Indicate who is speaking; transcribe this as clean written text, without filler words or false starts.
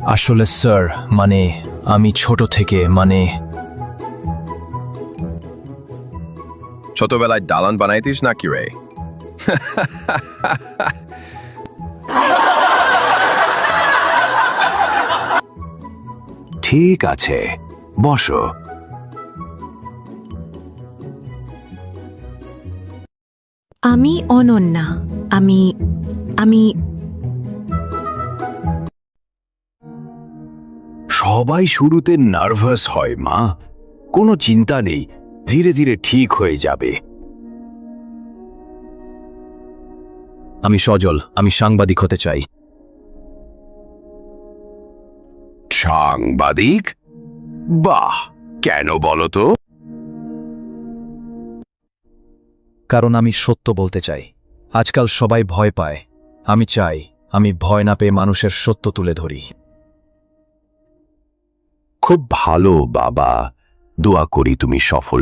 Speaker 1: আসলে স্যার মানে আমি ছোট থেকে
Speaker 2: ছোটবেলায় দালান বানাইতিস নাকি রে?
Speaker 3: ঠিক আছে, বসো।
Speaker 4: আমি অনন্যা। আমি আমি
Speaker 3: সবাই শুরুতে নার্ভাস হয় মা, কোনো চিন্তা নেই, ধীরে ধীরে ঠিক হয়ে যাবে।
Speaker 1: আমি সজল, আমি সাংবাদিক হতে চাই।
Speaker 3: সাংবাদিক? বাহ, কেন বলো তো?
Speaker 1: কারণ আমি সত্য বলতে চাই। আজকাল সবাই ভয় পায়, আমি চাই আমি ভয় না পেয়ে মানুষের সত্য তুলে ধরি।
Speaker 3: খুব ভালো বাবা, দোয়া করি তুমি সফল